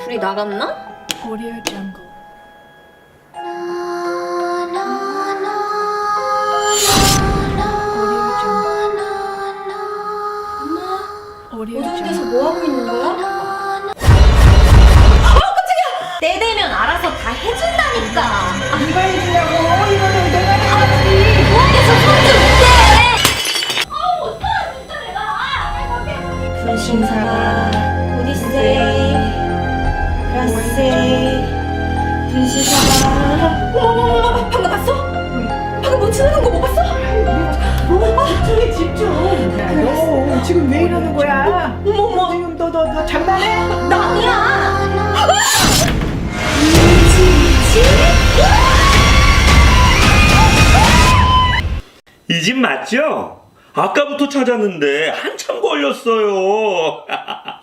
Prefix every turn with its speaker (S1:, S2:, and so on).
S1: 둘이 나갔나?
S2: Audio Jungle. Audio
S1: 어디
S2: Jungle.
S1: 데서 뭐 하고 있는 거야? 때 되면 알아서 다 해준다니까.
S3: 누가 해주냐고. 이거는 내가 해야지.
S1: 부엌에서 손질 못해. 못하라 진짜 내가. 분신사바, 오디세이, 라세이, 분신사바. 어머머머, 방금 봤어? 방금 뭐 지나간 거 못 봤어?
S3: 집중해 집중. 야, 너 지금 왜 이러는 거야?
S1: 어머머.
S3: 지금 너 장난해?
S1: 나 아니야.
S4: 이 집 맞죠? 아까부터 찾았는데 한참 걸렸어요.